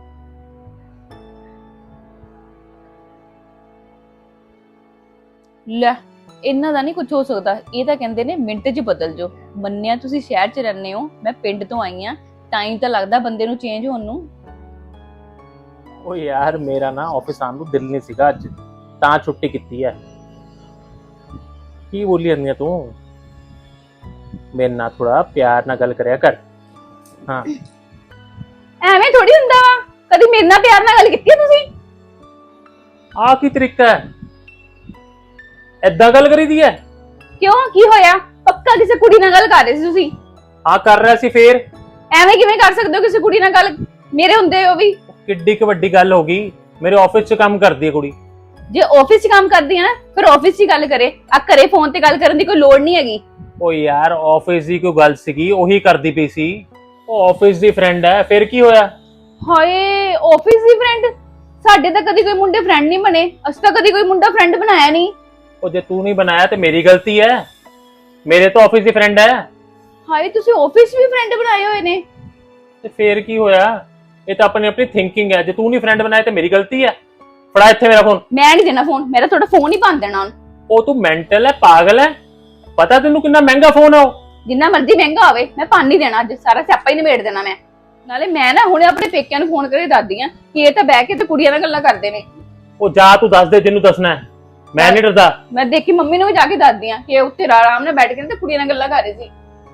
Speaker 3: ਲੈ, ਇਹਨਾਂ ਦਾ ਨਹੀਂ ਕੁਝ ਹੋ ਸਕਦਾ। ਇਹ ਤਾਂ ਕਹਿੰਦੇ ਨੇ ਮਿੰਟ 'ਚ ਬਦਲ ਜਾਓ। ਮੰਨਿਆ ਤੁਸੀਂ ਸ਼ਹਿਰ 'ਚ ਰਹਿੰਦੇ ਹੋ, ਮੈਂ ਪਿੰਡ ਤੋਂ ਆਈ ਆ, ਟਾਈਮ ਤਾਂ ਲੱਗਦਾ ਬੰਦੇ ਨੂੰ ਚੇਂਜ ਹੋਣ ਨੂੰ।
Speaker 2: ਉਹ ਯਾਰ ਮੇਰਾ ਨਾ ਆਫਿਸ ਆਉਣ ਨੂੰ ਦਿਲ ਨਹੀਂ ਸੀਗਾ ਅੱਜ, ਤਾਂ ਛੁੱਟੀ ਕੀਤੀ ਹੈ। ਕੀ ਬੋਲੀ ਜਾਂਦੀ ਆ ਤੂੰ? ਮੇਰੇ ਨਾਲ ਥੋੜਾ ਪਿਆਰ ਨਾਲ ਗੱਲ ਕਰਿਆ ਕਰ। ਹਾਂ
Speaker 3: ਐਵੇਂ ਥੋੜੀ ਹੁੰਦਾ ਵਾ, ਕਦੀ ਮੇਰੇ ਨਾਲ ਪਿਆਰ ਨਾਲ ਗੱਲ ਕੀਤੀ ਹੈ ਤੁਸੀਂ?
Speaker 2: ਆਹ ਕੀ ਤਰੀਕਾ ਹੈ? ਏਦਾਂ ਗੱਲ ਕਰੀਦੀ ਹੈ?
Speaker 3: ਕਿਉਂ, ਕੀ ਹੋਇਆ? ਪੱਕਾ ਕਿਸੇ ਕੁੜੀ ਨਾਲ ਗੱਲ ਕਰ ਰਹੇ ਸੀ ਤੁਸੀਂ?
Speaker 2: ਆ ਕਰ ਰਿਹਾ ਸੀ ਫੇਰ?
Speaker 3: ਐਵੇਂ ਕਿਵੇਂ ਕਰ ਸਕਦੇ ਹੋ ਕਿਸੇ ਕੁੜੀ ਨਾਲ ਗੱਲ, ਮੇਰੇ ਹੁੰਦੇ ਹੋ ਵੀ?
Speaker 2: ਕਿੱਡੀ ਕੁ ਵੱਡੀ ਗੱਲ ਹੋ ਗਈ, ਮੇਰੇ ਆਫਿਸ 'ਚ ਕੰਮ ਕਰਦੀ ਹੈ ਕੁੜੀ।
Speaker 3: ਜੇ ਆਫਿਸ 'ਚ ਕੰਮ ਕਰਦੀ ਹੈ ਨਾ, ਫਿਰ ਆਫਿਸ 'ਚ ਹੀ ਗੱਲ ਕਰੇ। ਆ ਘਰੇ ਫੋਨ ਤੇ ਗੱਲ ਕਰਨ ਦੀ ਕੋਈ ਲੋੜ ਨਹੀਂ ਹੈਗੀ।
Speaker 2: ਉਹ ਯਾਰ ਆਫਿਸ ਦੀ ਕੋਈ ਗੱਲ ਸੀਗੀ, ਉਹੀ ਕਰਦੀ ਪਈ ਸੀ। ਉਹ ਆਫਿਸ ਦੀ ਫਰੈਂਡ ਹੈ, ਫਿਰ ਕੀ ਹੋਇਆ?
Speaker 3: ਹਾਏ, ਆਫਿਸ ਦੀ ਫਰੈਂਡ? ਸਾਡੇ ਤਾਂ ਕਦੀ ਕੋਈ ਮੁੰਡੇ ਫਰੈਂਡ ਨਹੀਂ ਬਣੇ, ਅਸੀਂ ਤਾਂ ਕਦੀ ਕੋਈ ਮੁੰਡਾ ਫਰੈਂਡ ਬਣਾਇਆ ਨਹੀਂ।
Speaker 2: ਉਹ ਜੇ ਤੂੰ ਨਹੀਂ ਬਣਾਇਆ ਤੇ ਮੇਰੀ ਗਲਤੀ ਹੈ, ਮੇਰੇ ਤਾਂ ਆਫਿਸ ਦੀ ਫਰੈਂਡ ਹੈ।
Speaker 3: ਹਾਏ, ਤੁਸੀਂ ਆਫਿਸ ਵੀ ਫਰੈਂਡ ਬਣਾਏ ਹੋਏ ਨੇ?
Speaker 2: ਤੇ ਫੇਰ ਕੀ ਹੋਇਆ? ਇਹ ਤਾਂ ਆਪਣੀ ਥਿੰਕਿੰਗ ਹੈ। ਜੇ ਤੂੰ ਨਹੀਂ ਫਰੈਂਡ ਬਣਾਇਆ ਤੇ ਮੇਰੀ ਗਲਤੀ ਹੈ। ਫੜਾ ਇੱਥੇ ਮੇਰਾ ਫੋਨ।
Speaker 3: ਮੈਂ ਨਹੀਂ ਦੇਣਾ ਫੋਨ, ਮੇਰਾ ਤੁਹਾਡਾ ਫੋਨ ਹੀ ਬੰਦ ਦੇਣਾ।
Speaker 2: ਉਹ ਤੂੰ ਮੈਂਟਲ ਹੈ, ਪਾਗਲ ਹੈ? ਪਤਾ ਤੈਨੂੰ ਕਿੰਨਾ ਮਹਿੰਗਾ ਫੋਨ ਆ ਉਹ?
Speaker 3: ਜਿੰਨਾ ਮਰਜ਼ੀ ਮਹਿੰਗਾ ਹੋਵੇ, ਮੈਂ ਪਾਣ ਨਹੀਂ ਦੇਣਾ। ਅੱਜ ਸਾਰਾ ਸਿਆਪਾ ਹੀ ਨਿਬੇੜ ਦੇਣਾ ਮੈਂ। ਨਾਲੇ ਮੈਂ ਨਾ ਹੁਣੇ ਆਪਣੇ ਪੇਕਿਆਂ ਨੂੰ ਫੋਨ ਕਰਕੇ ਦੱਸਦੀ ਆ ਕਿ ਇਹ ਤਾਂ ਬਹਿ ਕੇ ਤੇ ਕੁੜੀਆਂ ਨਾਲ ਗੱਲਾਂ ਕਰਦੇ ਨੇ।
Speaker 2: ਉਹ ਜਾ ਤੂੰ ਦੱਸ ਦੇ ਜਿਹਨੂੰ ਦੱਸਣਾ ਹੈ, ਮੈਂ ਨਹੀਂ ਡਰਦਾ।
Speaker 3: ਮੈਂ ਦੇਖੀ ਮੰਮੀ ਨੂੰ ਵੀ ਜਾ ਕੇ ਦੱਸਦੀ ਆ ਕਿ ਉੱਤੇ ਆਰਾਮ ਨਾਲ ਬੈਠ ਕੇ ਤੇ ਕੁੜੀਆਂ ਨਾਲ ਗੱਲਾਂ ਕਰ ਰਹੇ ਸੀ।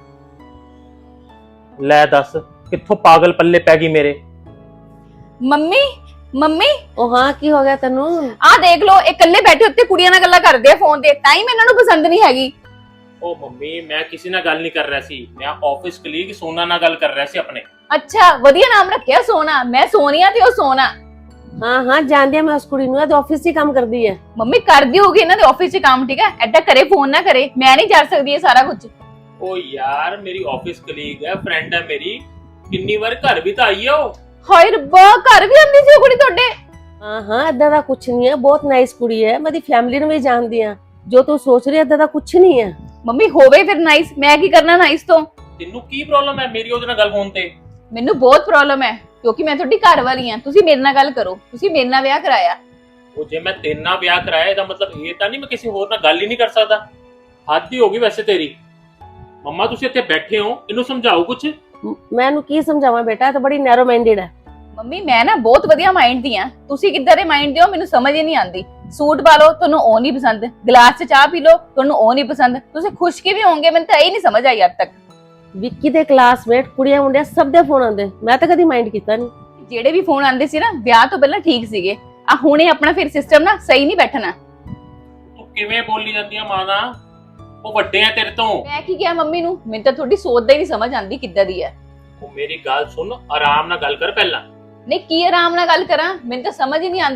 Speaker 2: ਲੈ ਦੱਸ, ਕਿੱਥੋਂ ਪਾਗਲ ਪੱਲੇ ਪੈ ਗਈ ਮੇਰੇ?
Speaker 3: ਮੰਮੀ, ਮੰਮੀ
Speaker 1: ਉਹ ਹਾਂ ਕੀ ਹੋ ਗਿਆ ਤੈਨੂੰ?
Speaker 3: ਆਹ ਦੇਖ ਲਓ, ਇਹ ਇਕੱਲੇ ਬੈਠੇ ਉੱਤੇ ਕੁੜੀਆਂ ਨਾਲ ਗੱਲਾਂ ਕਰਦੇ ਆ ਫੋਨ ਤੇ। ਤਾਂ ਹੀ ਮੈਨੂੰ ਇਹਨਾਂ ਨੂੰ ਪਸੰਦ ਨਹੀਂ ਹੈਗੀ।
Speaker 2: ਉਹ ਮੰਮੀ, ਮੈਂ ਕਿਸੇ ਨਾਲ ਗੱਲ ਨਹੀਂ ਕਰ ਰਿਹਾ ਸੀ, ਮੈਂ ਆਫਿਸ ਕਲੀਗ ਸੋਨਾ ਨਾਲ ਗੱਲ ਕਰ ਰਿਹਾ ਸੀ ਆਪਣੇ।
Speaker 3: ਅੱਛਾ, ਵਧੀਆ ਨਾਮ ਰੱਖਿਆ ਸੋਨਾ। ਮੈਂ ਸੋਨੀਆ ਤੇ ਉਹ ਸੋਨਾ।
Speaker 1: ਹਾਂ ਹਾਂ ਜਾਣਦੀ ਆ ਮੈਂ ਉਸ ਕੁੜੀ ਨੂੰ, ਇਹ ਆਫਿਸ 'ਚ ਹੀ ਕੰਮ ਕਰਦੀ ਹੈ।
Speaker 3: ਮੰਮੀ ਕਰਦੀ ਹੋਗੀ ਇਹਨਾਂ ਦੇ ਆਫਿਸ 'ਚ ਕੰਮ, ਠੀਕ ਹੈ? ਐਡਾ ਕਰੇ ਫੋਨ ਨਾ ਕਰੇ, ਮੈਂ ਨਹੀਂ ਕਰ ਸਕਦੀ ਇਹ ਸਾਰਾ ਕੁਝ।
Speaker 2: ਉਹ ਯਾਰ ਮੇਰੀ ਆਫਿਸ ਕਲੀਗ ਹੈ, ਫਰੈਂਡ ਹੈ ਮੇਰੀ। ਕਿੰਨੀ ਵਾਰ ਘਰ ਵੀ ਤਾਂ ਆਈ ਹੈ ਉਹ।
Speaker 3: ਹਾਏ ਰੱਬਾ, ਘਰ ਵੀ ਆਉਂਦੀ ਸੀ ਉਹ ਕੁੜੀ ਤੁਹਾਡੇ?
Speaker 1: ਹਾਂ ਹਾਂ ਏਦਾਂ ਦਾ ਕੁਝ ਨਹੀਂ ਹੈ, ਬਹੁਤ ਨਾਈਸ ਕੁੜੀ ਹੈ। ਮੈਂ ਦੀ ਫੈਮਿਲੀ ਨੂੰ ਵੀ ਜਾਣਦੀ ਆ। ਜੋ ਤੂੰ ਸੋਚ ਰਹੀ ਹੈ ਏਦਾਂ ਦਾ ਕੁਝ ਨਹੀਂ ਹੈ।
Speaker 3: ਮੰਮੀ ਹੋਵੇ ਫਿਰ ਨਾਈਸ, ਮੈਂ ਕੀ ਕਰਨਾ ਨਾਈਸ ਤੋਂ?
Speaker 2: ਤੈਨੂੰ ਕੀ ਪ੍ਰੋਬਲਮ ਹੈ ਮੇਰੀ ਉਹਦੇ ਨਾਲ ਗੱਲ ਫੋਨ ਤੇ?
Speaker 3: ਮੈਨੂੰ ਬਹੁਤ ਪ੍ਰੋਬਲਮ ਹੈ, ਕਿਉਂਕਿ ਮੈਂ ਤੁਹਾਡੀ ਘਰ ਵਾਲੀ ਹਾਂ। ਤੁਸੀਂ ਮੇਰੇ ਨਾਲ ਗੱਲ ਕਰੋ, ਤੁਸੀਂ ਮੇਰੇ ਨਾਲ ਵਿਆਹ ਕਰਾਇਆ।
Speaker 2: ਉਹ ਜੇ ਮੈਂ ਤੇਰੇ ਨਾਲ ਵਿਆਹ ਕਰਾਇਆ ਇਹਦਾ ਮਤਲਬ ਇਹ ਤਾਂ ਨਹੀਂ ਮੈਂ ਕਿਸੇ ਹੋਰ ਨਾਲ ਗੱਲ ਹੀ ਨਹੀਂ ਕਰ ਸਕਦਾ। ਹੱਦ ਹੀ ਹੋ ਗਈ ਵੈਸੇ ਤੇਰੀ। ਮੰਮਾ ਤੁਸੀਂ ਇੱਥੇ ਬੈਠੇ ਹੋ, ਇਹਨੂੰ ਸਮਝਾਓ ਕੁਝ।
Speaker 1: ਮੈਂ ਇਹਨੂੰ ਕੀ ਸਮਝਾਵਾਂ ਬੇਟਾ, ਇਹ ਤਾਂ ਬੜੀ ਨੈਰੋ ਮਾਈਂਡਡ ਹੈ।
Speaker 3: ਮੰਮੀ ਮੈਂ ਨਾ ਬਹੁਤ ਵਧੀਆ ਮਾਈਂਡ ਦੀ ਆ, ਤੁਸੀਂ ਕਿੱਦਾਂ ਦੇ ਮਾਈਂਡ ਦੇ ਹੋ ਮੈਨੂੰ ਸਮਝ ਹੀ ਨਹੀਂ ਆਉਂਦੀ। ਸੂਟ ਪਾ ਲਓ ਤੁਹਾਨੂੰ ਉਹ ਨਹੀਂ ਪਸੰਦ, ਗਲਾਸ 'ਚ ਚਾਹ ਪੀ ਲਓ ਤੁਹਾਨੂੰ ਉਹ ਨਹੀਂ ਪਸੰਦ। ਤੁਸੀਂ ਖੁਸ਼ ਕਿਵੇਂ ਹੋਵੋਗੇ, ਮੈਨੂੰ ਤਾਂ ਇਹ ਨਹੀਂ ਸਮਝ ਆਈ ਅੱਜ ਤੱਕ।
Speaker 1: ਵਿੱਕੀ ਦੇ ਕਲਾਸਮੇਟ ਕੁੜੀਆਂ ਮੁੰਡਿਆਂ ਸਭ ਦੇ ਫੋਨ ਆਉਂਦੇ, ਮੈਂ ਤਾਂ ਕਦੀ ਮਾਈਂਡ ਕੀਤਾ ਨਹੀਂ।
Speaker 3: ਜਿਹੜੇ ਵੀ ਫੋਨ ਆਉਂਦੇ ਸੀ ਨਾ ਵਿਆਹ ਤੋਂ ਪਹਿਲਾਂ ਠੀਕ ਸੀਗੇ, ਆ ਹੁਣੇ ਆਪਣਾ ਫਿਰ ਸਿਸਟਮ ਨਾ ਸਹੀ ਨਹੀਂ ਬੈਠਣਾ।
Speaker 2: ਤੂੰ ਕਿਵੇਂ ਬੋਲੀ ਜਾਂਦੀ ਆ ਮਾਂ ਦਾ? ਉਹ ਵੱਡੇ ਆ ਤੇਰੇ ਤੋਂ।
Speaker 3: ਮੈਂ ਕੀ ਕਿਹਾ ਮੰਮੀ ਨੂੰ? ਮੈਨੂੰ ਤਾਂ ਤੁਹਾਡੀ ਸੋਚ ਦਾ ਹੀ ਨਹੀਂ ਸਮਝ ਆਉਂਦੀ ਕਿੱਦਾਂ ਦੀ ਹੈ।
Speaker 2: ਉਹ ਮੇਰੀ ਗੱਲ ਸੁਣ, ਆਰਾਮ ਨਾਲ ਗੱਲ ਕਰ ਪਹਿਲਾਂ।
Speaker 3: ਨਹੀਂ ਕੀ ਆਰਾਮ ਨਾਲ ਗੱਲ ਕਰਾਂ, ਮੈਨੂੰ ਤਾਂ ਸਮਝ ਹੀ ਨਹੀਂ ਆਉਂਦੀ।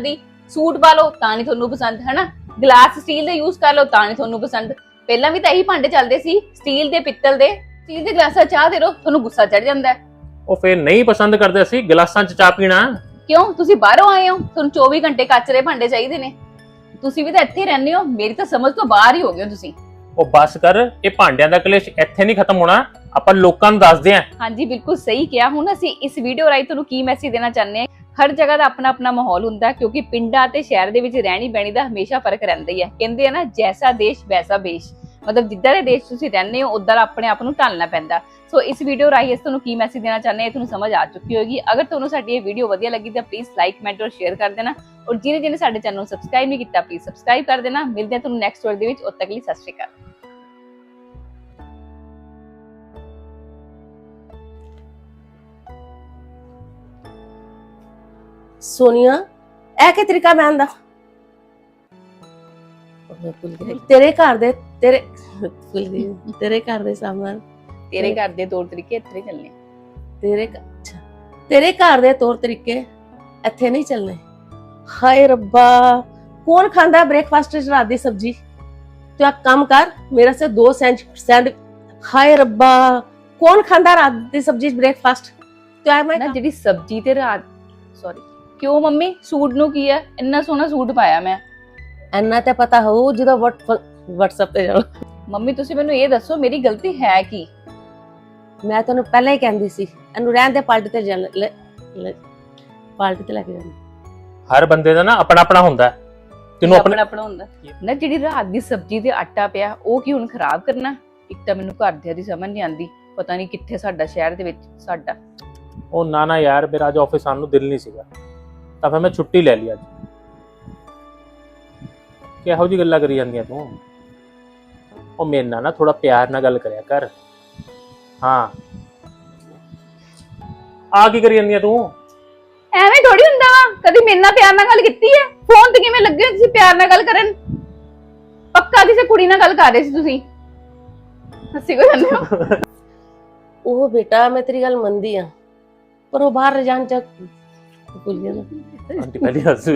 Speaker 3: ਸੂਟ ਪਾ ਲਓ ਤਾਂ ਨਹੀਂ ਤੁਹਾਨੂੰ ਪਸੰਦ, ਹਨਾ ਗਲਾਸ ਸਟੀਲ ਦੇ ਯੂਜ਼ ਕਰ ਲਓ ਤਾਂ ਨਹੀਂ ਤੁਹਾਨੂੰ ਪਸੰਦ। ਪਹਿਲਾਂ ਵੀ ਤਾਂ ਇਹੀ ਭਾਂਡੇ ਚੱਲਦੇ ਸੀ, ਸਟੀਲ ਦੇ, ਪਿੱਤਲ ਦੇ। ਸਟੀਲ ਦੇ ਗਲਾਸਾਂ ਚਾਹ ਦੇ ਰੋ, ਤੁਹਾਨੂੰ ਗੁੱਸਾ ਚੜ ਜਾਂਦਾ ਹੈ।
Speaker 2: ਉਹ ਫੇਰ ਨਹੀਂ ਪਸੰਦ ਕਰਦੇ ਅਸੀਂ ਗਲਾਸਾਂ 'ਚ ਚਾਹ ਪੀਣਾ।
Speaker 3: ਕਿਉਂ? ਤੁਸੀਂ ਬਾਹਰੋਂ ਆਏ ਹੋ, ਤੁਹਾਨੂੰ 24 ਘੰਟੇ ਕੱਚ ਦੇ ਭਾਂਡੇ ਚਾਹੀਦੇ ਨੇ। ਤੁਸੀਂ ਵੀ ਤਾਂ ਇੱਥੇ ਹੀ ਰਹਿੰਦੇ ਹੋ, ਮੇਰੀ ਤਾਂ ਸਮਝ ਤੋਂ ਬਾਹਰ ਹੀ ਹੋ ਗਏ ਹੋ ਤੁਸੀਂ।
Speaker 2: ਉਹ ਬਸ ਕਰ, ਇਹ ਭਾਂਡਿਆਂ ਦਾ ਕਲੇਸ਼ ਇੱਥੇ ਨਹੀਂ ਖਤਮ ਹੋਣਾ, ਆਪਾਂ ਲੋਕਾਂ ਨੂੰ ਦੱਸਦੇ ਆਂ।
Speaker 3: ਹਾਂਜੀ ਬਿਲਕੁਲ ਸਹੀ ਕਿਹਾ। ਹੁਣ ਅਸੀਂ ਇਸ ਵੀਡੀਓ ਰਾਹੀਂ ਤੁਹਾਨੂੰ ਕੀ ਮੈਸੇਜ ਦੇਣਾ ਚਾਹੁੰਦੇ ਹਾਂ, ਹਰ ਜਗ੍ਹਾ ਦਾ ਆਪਣਾ ਆਪਣਾ ਮਾਹੌਲ ਹੁੰਦਾ ਹੈ, ਕਿਉਂਕਿ ਪਿੰਡਾਂ ਤੇ ਸ਼ਹਿਰ ਦੇ ਵਿੱਚ ਰਹਿਣੀ ਬਹਿਣੀ ਦਾ ਹਮੇਸ਼ਾ ਫਰਕ ਰਹਿੰਦਾ ਹੀ ਹੈ। ਕਹਿੰਦੇ ਆ ਨਾ, ਜੈਸਾ ਦੇਸ਼ ਵੈਸਾ ਭੇਸ਼, ਮਤਲਬ ਜਿੱਦਾਂ ਦੇ ਦੇਸ਼ ਤੁਸੀਂ ਰਹਿੰਦੇ ਹੋ ਉੱਦਾਂ ਆਪਣੇ ਆਪ ਨੂੰ ਢਾਲਣਾ ਪੈਂਦਾ। ਸੋ ਇਸ ਵੀਡੀਓ ਰਾਹੀਂ ਅਸੀਂ ਤੁਹਾਨੂੰ ਕੀ ਮੈਸੇਜ ਦੇਣਾ ਚਾਹੁੰਦੇ ਹਾਂ ਤੁਹਾਨੂੰ ਸਮਝ ਆ ਚੁੱਕੀ ਹੋਏਗੀ। ਅਗਰ ਤੁਹਾਨੂੰ ਸਾਡੀ ਇਹ ਵੀਡੀਓ ਵਧੀਆ ਲੱਗੀ ਤਾਂ ਪਲੀਜ਼ ਲਾਈਕ, ਕਮੈਂਟ ਔਰ ਸ਼ੇਅਰ ਕਰ ਦੇਣਾ, ਔਰ ਜਿਹਨੇ ਸਾਡੇ ਚੈਨਲ ਨੂੰ ਸਬਸਕ੍ਰਾਈਬ ਨਹੀਂ ਕੀਤਾ ਪਲੀਜ਼ ਸਬਸਕ੍ਰਾਈਬ ਕਰ ਦੇਣਾ। ਮਿਲਦੇ ਹਾਂ ਤੁਹਾਨੂੰ ਨੈਕਸਟ ਵੀਡੀਓ ਦੇ ਵਿੱਚ, ਉਦ ਤੱਕ ਲਈ ਸਤਿ ਸ਼੍ਰੀ ਅਕਾਲ।
Speaker 1: ਸੋਨੀਆ, ਇਹ ਕੀ ਤਰੀਕਾ ਬਹਿਣ ਦਾ? ਤੇਰੇ ਘਰ ਦੇ ਤੇਰੇ ਘਰ ਦੇ ਸਾਹਮਣੇ
Speaker 3: ਤੇਰੇ ਘਰ ਦੇ ਤੌਰ ਤਰੀਕੇ ਇੱਥੇ ਨਹੀਂ ਚੱਲਣੇ।
Speaker 1: ਤੇਰੇ ਘਰ ਦੇ ਤੌਰ ਤਰੀਕੇ ਇੱਥੇ ਨਹੀਂ ਚੱਲਣੇ। ਹਾਏ ਰੱਬਾ, ਕੌਣ ਖਾਂਦਾ ਬ੍ਰੇਕਫਾਸਟ ਵਿੱਚ ਰਾਤ ਦੀ ਸਬਜੀ? ਤੂੰ ਇੱਕ ਕੰਮ ਕਰ, ਮੇਰੇ ਸੇ 2 ਸੈਂਡ। ਹਾਏ ਰੱਬਾ, ਕੌਣ ਖਾਂਦਾ ਰਾਤ ਦੀ ਸਬਜੀ ਬ੍ਰੇਕਫਾਸਟ? ਤੂੰ ਆ ਮੈਂ
Speaker 3: ਨਾ ਜਿਹੜੀ ਸਬਜੀ ਤੇ ਰਾਤ, ਸੌਰੀ ਕਿਉਂ ਮੰਮੀ, ਸੂਟ ਨੂੰ ਕੀ ਹੈ? ਇੰਨਾ ਸੋਹਣਾ ਸੂਟ ਪਾਇਆ ਮੈਂ।
Speaker 1: ਇੰਨਾ ਤੇ ਪਤਾ ਹੋ ਜਦੋਂ WhatsApp ਤੇ ਜਾਓ।
Speaker 3: ਮੰਮੀ ਤੁਸੀਂ ਮੈਨੂੰ ਇਹ ਦੱਸੋ ਮੇਰੀ ਗਲਤੀ ਹੈ ਕੀ?
Speaker 1: ਮੈਂ ਤੈਨੂੰ ਪਹਿਲਾਂ ਹੀ ਕਹਿੰਦੀ ਸੀ ਇਹਨੂੰ ਰਹਿਣ ਦੇ, ਪਾਰਟੀ ਤੇ ਪਾਰਟੀ ਤੇ ਲੈ ਕੇ ਜਾਣਾ।
Speaker 2: ਹਰ ਬੰਦੇ ਦਾ ਨਾ ਆਪਣਾ ਆਪਣਾ ਹੁੰਦਾ ਹੈ, ਤੈਨੂੰ
Speaker 3: ਆਪਣਾ ਆਪਣਾ ਹੁੰਦਾ ਨਾ। ਜਿਹੜੀ ਰਾਤ ਦੀ ਸਬਜੀ ਤੇ ਆਟਾ ਪਿਆ ਉਹ ਕੀ ਹੁਣ ਖਰਾਬ ਕਰਨਾ? ਇੱਕ ਤਾਂ ਮੈਨੂੰ ਘਰਦਿਆਂ ਦੀ ਸਮਝ ਨਹੀਂ ਆਉਂਦੀ, ਪਤਾ ਨਹੀਂ ਕਿੱਥੇ ਸਾਡਾ ਸ਼ਹਿਰ ਦੇ ਵਿੱਚ ਸਾਡਾ।
Speaker 2: ਉਹ ਨਾ ਯਾਰ, ਮੇਰਾ ਅੱਜ ਆਫਿਸ ਆਉਣ ਨੂੰ ਦਿਲ ਨਹੀਂ ਸੀਗਾ ਤਾਂ ਫਿਰ ਮੈਂ ਛੁੱਟੀ ਲੈ ਲਈ ਅੱਜ। ਕਿਹੋ ਜਿਹੀ ਗੱਲਾਂ ਕਰੀ ਜਾਂਦੀਆਂ ਤੂੰ? ਉਹ ਮੇਰੇ ਨਾਲ ਨਾ ਥੋੜਾ ਪਿਆਰ ਨਾਲ ਗੱਲ ਕਰਿਆ ਕਰ। ਹਾਂ, ਆ ਕੀ ਕਰੀ ਜਾਂਦੀਆਂ ਤੂੰ?
Speaker 3: ਐਵੇਂ ਥੋੜੀ ਹੁੰਦਾ ਵਾ, ਕਦੀ ਮੇਰੇ ਨਾਲ ਪਿਆਰ ਨਾਲ ਗੱਲ ਕੀਤੀ ਹੈ? ਫੋਨ ਤੇ ਕਿਵੇਂ ਲੱਗੇ ਤੁਸੀਂ ਪਿਆਰ ਨਾਲ ਗੱਲ ਕਰਨ? ਪੱਕਾ ਕਿਸੇ ਕੁੜੀ ਨਾਲ ਗੱਲ ਕਰ ਰਹੇ ਸੀ ਤੁਸੀਂ, ਹੱਸੀ ਕੋ ਜਾਂਦੇ ਹੋ।
Speaker 1: ਉਹ ਬੇਟਾ ਮੈਂ ਤੇਰੀ ਗੱਲ ਮੰਨਦੀ ਆ, ਪਰ ਉਹ ਬਾਹਰ ਜਾਣ ਚ ਭੁੱਲ ਗਿਆ ਨਾ।
Speaker 2: ਆਂਟੀ ਪਹਿਲੀ ਹੱਸੂ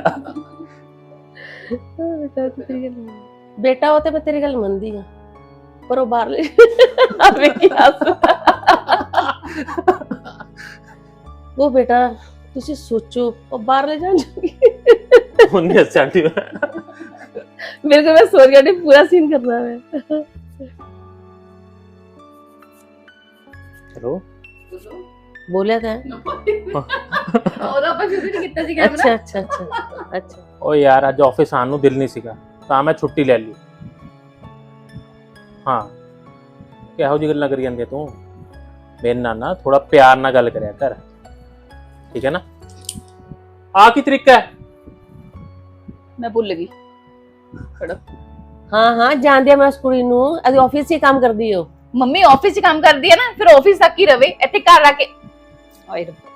Speaker 1: ਬੇਟਾ ਉਹ ਤੇ ਮੈਂ ਤੇਰੀ ਗੱਲ ਮੰਨਦੀ ਆ, ਪਰ ਉਹ ਬਾਹਰ ਵੇਖੀ ਹੱਸ। ਉਹ ਬੇਟਾ ਤੁਸੀਂ ਸੋਚੋ, ਉਹ ਬਾਹਰ ਲੈ ਜਾਣ ਜੋਗੀ।
Speaker 2: ਉਹਨੇ ਹੱਸਿਆ ਆਂਟੀ।
Speaker 1: ਮੇਰੇ ਕੋਲ ਮੈਂ ਸੋਚ ਕੇ ਪੂਰਾ ਸੀਨ ਕਰਨਾ ਹੈ।
Speaker 2: ਚਲੋ
Speaker 1: ਬੋਲਿਆ ਤਾਂ
Speaker 3: ਉਹਦਾ ਆਪਾਂ ਸ਼ੁਰੂ ਨਹੀਂ ਕੀਤਾ ਸੀ
Speaker 1: ਅੱਛਾ ਅੱਛਾ ਅੱਛਾ ਅੱਛਾ।
Speaker 2: ਉਹ ਯਾਰ ਅੱਜ ਆਫਿਸ ਆਉਣ ਨੂੰ ਦਿਲ ਨਹੀਂ ਸੀਗਾ ਤਾਂ ਮੈਂ ਛੁੱਟੀ ਲੈ ਲਈ। ਹਾਂ, ਕਿਹੋ ਜਿਹੀ ਗੱਲਾਂ ਕਰੀ ਜਾਂਦੀ ਤੂੰ? ਮੇਰੇ ਨਾਲ ਨਾ ਥੋੜਾ ਪਿਆਰ ਨਾਲ ਗੱਲ ਕਰਿਆ ਕਰ, ਠੀਕ ਹੈ ਨਾ? ਆ ਕੀ ਤਰੀਕਾ ਹੈ?
Speaker 3: ਮੈਂ ਭੁੱਲ ਗਈ।
Speaker 1: ਹਾਂ ਜਾਣਦੀ ਆ ਮੈਂ ਉਸ ਕੁੜੀ ਨੂੰ, ਅਦੀ ਆਫਿਸ 'ਚ ਹੀ ਕੰਮ ਕਰਦੀ ਹੋ।
Speaker 3: ਮੰਮੀ ਆਫਿਸ 'ਚ ਕੰਮ ਕਰਦੀ ਹੈ ਨਾ, ਫਿਰ ਆਫਿਸ ਤੱਕ ਹੀ ਰਵੇ, ਇੱਥੇ ਘਰ ਆ ਕੇ। ਆਏ ਰੱਬਾ।